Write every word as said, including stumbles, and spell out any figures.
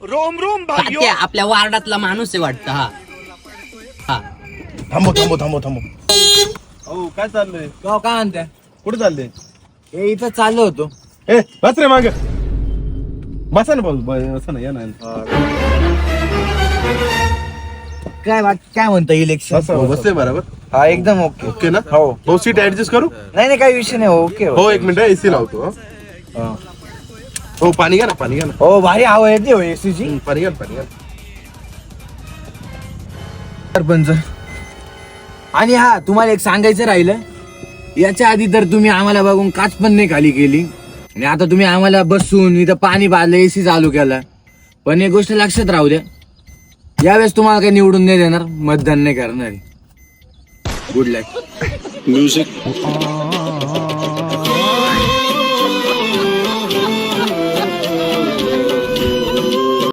Rome Rome भाई आपल्या वार्डातला माणूस आहे वाटतं. हा हा थांबो थांबो थांबो थांबो. हो काय चाललंय? गाव काय म्हणताय? कुठे चाललंय? हे इथं चाललो होतो. ए बस रे माग. बसा ना भाऊ, बसा ना, या ना. काय बाकी काय म्हणता इलेक्शन? हो, बसले बरोबर. हा एकदम ओके. ओके ना? हो. भाऊ सीट ऍडजस्ट करू? नाही नाही काही विषय नाही. ओके हो एक मिनिट एसी लावतो. हं. हा. हो पाणी घ्या ना, पाणी घ्या ना. हो भारी हवा येते हो एसीची. हं, पाणी घ्या ना, पाणी घ्या ना. सरपंच आणि हा तुम्हाला एक सांगायचं राहिलं. याच्या आधी तर तुम्ही आम्हाला बघून काच पण नाही खाली केली आणि आता तुम्ही आम्हाला बसून इथं पाणी पाजलं, एसी चालू केला. पण एक गोष्ट लक्षात राहू द्या, यावेळेस तुम्हाला काही निवडून नाही देणार, मतदान नाही करणार. गुड लक. म्युझिक